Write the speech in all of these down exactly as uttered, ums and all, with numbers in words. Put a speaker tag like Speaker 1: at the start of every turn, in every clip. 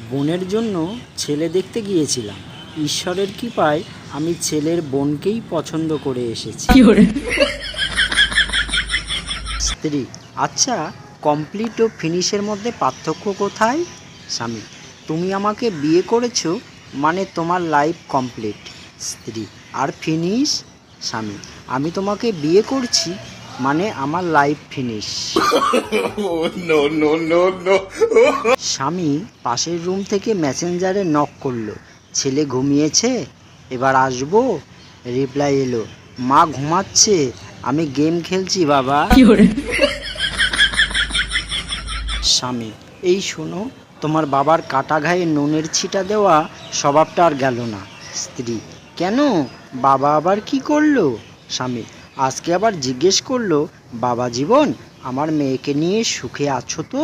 Speaker 1: বোনের জন্য ছেলে দেখতে গিয়েছিলাম। ঈশ্বরের কৃপায় আমি ছেলের বোনকেই পছন্দ করে এসেছি। স্ত্রী: আচ্ছা, কমপ্লিট ও ফিনিশের মধ্যে পার্থক্য কোথায়? স্বামী: তুমি আমাকে বিয়ে করেছো মানে তোমার লাইফ কমপ্লিট। স্ত্রী: আর ফিনিশ? স্বামী: আমি তোমাকে বিয়ে করছি মানে আমার লাইফ ফিনিশ। স্বামী পাশের রুম থেকে মেসেঞ্জারে নক করলো, ছেলে ঘুমিয়েছে, এবার আসবো। রিপ্লাই এলো, মা ঘুমাচ্ছে, আমি গেম খেলছি বাবা। স্বামী: এই শোনো, তোমার বাবার কাটা ঘায়ে নুনের ছিটা দেওয়া স্বভাবটা আর গেল না। স্ত্রী: কেন, বাবা আবার কি করলো? স্বামী: আজকে আবার জিজ্ঞেস করলো, বাবা জীবন, আমার মেয়েকে নিয়ে সুখে আছো তো?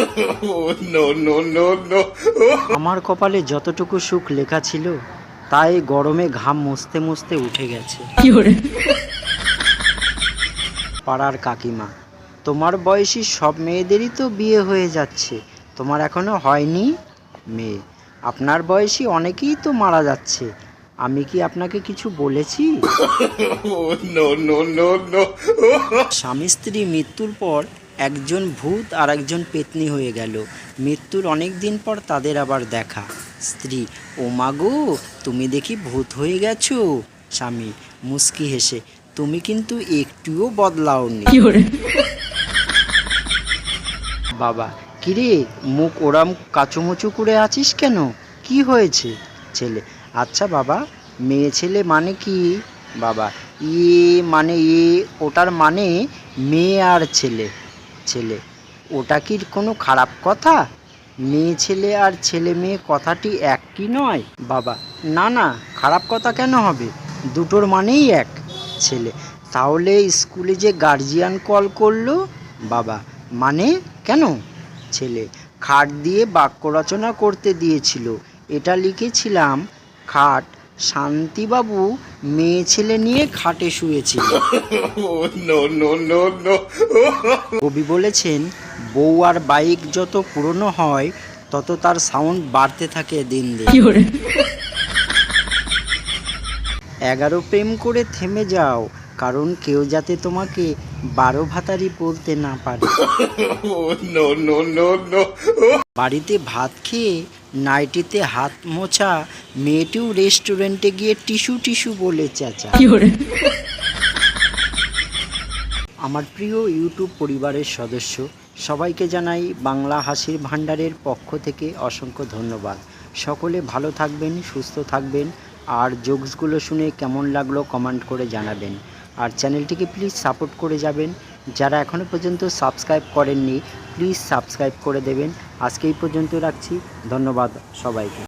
Speaker 1: আমার কপালে যতটুকু সুখ লেখা ছিল তাই গরমে ঘাম মুছতে মুছতে উঠে গেছে। পাড়ার কাকিমা: তোমার বয়সী সব মেয়েদেরই তো বিয়ে হয়ে যাচ্ছে, তোমার এখনো হয়নি? মেয়ে: আপনার বয়সী অনেকেই তো মারা যাচ্ছে, আমি কি আপনাকে কিছু বলেছি? স্বামী স্ত্রী মৃত্যুর পর একজন ভূত আর একজন পেতনি হয়ে গেল। মৃত্যুর অনেক দিন পর তাদের আবার দেখা। স্ত্রী: ও মাগো, তুমি দেখি ভূত হয়ে গেছো। স্বামী মুচকি হেসে: তুমি কিন্তু একটুও বদলাওনি। বাবা: কিরে, মুখ ওরাম কাচুমুচু করে আছিস কেন, কি হয়েছে? ছেলে: আচ্ছা বাবা, মেয়ে ছেলে মানে কি? বাবা: ইয়ে মানে এ ওটার মানে মেয়ে আর ছেলে। ছেলে: ওটা কি কোনো খারাপ কথা? মেয়ে ছেলে আর ছেলে মেয়ে কথাটি এক কি নয়? বাবা: না না, খারাপ কথা কেন হবে, দুটোর মানেই এক। ছেলে: তাহলে স্কুলে যে গার্জিয়ান কল করলো? বাবা: মানে কেন? ছেলে: খাট দিয়ে বাক্য রচনা করতে দিয়েছিল, এটা লিখেছিলাম, খাট, শান্তিবাবু মেয়ে ছেলে নিয়ে খাটে শুয়েছিল। কবি বলেছেন, বউ আর বাইক যত পুরনো হয় তত তার সাউন্ড বাড়তে থাকে দিন দিন। এগারো প্রেম করে থেমে যাও, কারণ কেউ যাতে তোমাকে বারো ভাতারি বলতে না পারে। বাড়িতে ভাত খেয়ে নাইটিতে হাত মোছা মেয়েটিও রেস্টুরেন্টে গিয়ে টিস্যু টিস্যু বলে চেঁচা। আমার প্রিয় ইউটিউব পরিবারের সদস্য সবাইকে জানাই বাংলা হাসির ভাণ্ডারের পক্ষ থেকে অসংখ্য ধন্যবাদ। সকলে ভালো থাকবেন, সুস্থ থাকবেন, আর জোকসগুলো শুনে কেমন লাগলো কমেন্ট করে জানাবেন। আর চ্যানেলটিকে প্লিজ সাপোর্ট করে যাবেন। যারা এখনও পর্যন্ত সাবস্ক্রাইব করেননি প্লিজ সাবস্ক্রাইব করে দেবেন। আজকে এই পর্যন্ত রাখছি, ধন্যবাদ সবাইকে।